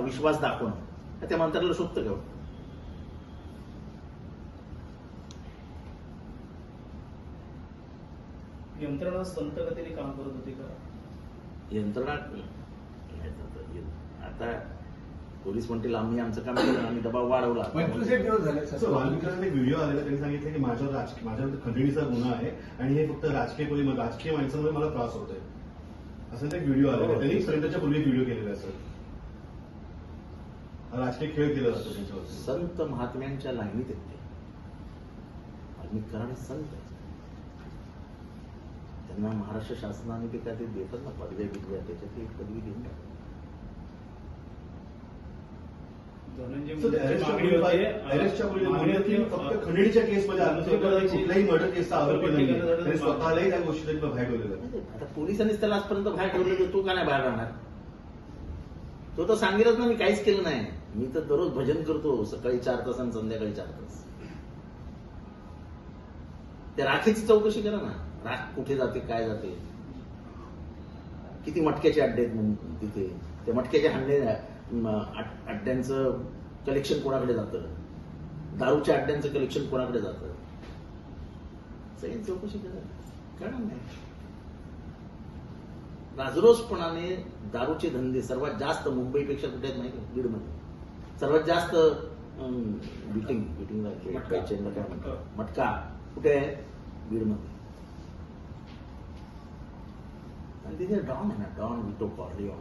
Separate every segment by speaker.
Speaker 1: विश्वास दाखवणं त्या मंत्र्याला शोभतं का?
Speaker 2: यंत्रणा संत गतीने काम करत होती का?
Speaker 1: यंत्रणा आता पोलीस म्हणतील आम्ही आमचं काम केलं, आम्ही दबाव वाढवला.
Speaker 3: 25 दिवस झाले.
Speaker 4: वाल्मिकांना एक व्हिडिओ आलेला, त्यांनी सांगितलं की माझ्यावर खंडणीचा गुन्हा आहे आणि हे फक्त राजकीय माणसांमुळे मला त्रास होतोय, असं एक व्हिडिओ आलेला. त्यांनी सरेंडरच्या पूर्वी व्हिडिओ केलेला आहे. सर, हा राजकीय खेळ केला जातो त्यांच्यावर.
Speaker 1: संत महात्म्यांच्या लाईनीत येते. वाल्मिक कराड हे संत आहेत. त्यांना महाराष्ट्र शासनाने ते काय ते देतात ना पदव्या बिदव्या, त्याच्यात एक पदवी देऊन टाकतात.
Speaker 4: अरेस्टच्या पूर्वी फक्त खंडणीच्या केसमध्ये आलं, कुठल्याही मर्डर केसचा आरोपी नाही. त्यांनी स्वतःलाही त्या गोष्टी बाहेर ठेवलेलं.
Speaker 1: आता पोलिसांनीच त्याला आजपर्यंत बाहेर ठेवलं, तर तो का नाही बाहेर राहणार? तो तर सांगेलच ना मी काहीच केलं नाही. मी तर दररोज भजन करतो, सकाळी 4 तास आणि संध्याकाळी 4 तास. त्या राखेची चौकशी करा ना, राख कुठे जाते, काय जाते, किती मटक्याचे अड्डे आहेत म्हणून तिथे. त्या मटक्याच्या अड्ड्यांचं कलेक्शन कोणाकडे जातं, दारूच्या अड्ड्यांचं कलेक्शन कोणाकडे जातं, सगळी चौकशी करा. कळणार नाही. राजरोसपणाने दारूचे धंदे सर्वात जास्त मुंबईपेक्षा कुठे आहेत माहिती? बीडमध्ये सर्वात जास्त मटका कुठे आहे? बीडमध्ये. आणि तिथे डॉन आहे ना, Don Vito Corleone.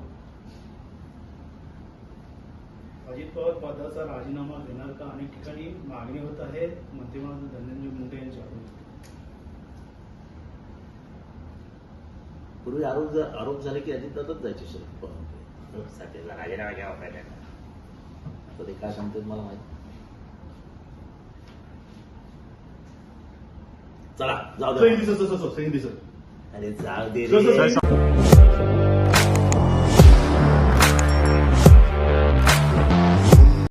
Speaker 2: Ajit Pawar पदाचा राजीनामा देणार का? अनेक ठिकाणी मागणी होत आहे मंत्रिमंडळ धनंजय मुंडे यांच्याकडून.
Speaker 1: पूर्वी आरोप झाले की अजितदादाच जायचे शरद पवार साठीला राजीनामा घ्यावा पाहिजे. आता ते काय सांगतात मला माहिती. चला जाऊ दे.
Speaker 4: दिसत
Speaker 1: अरे जाऊ दे रे.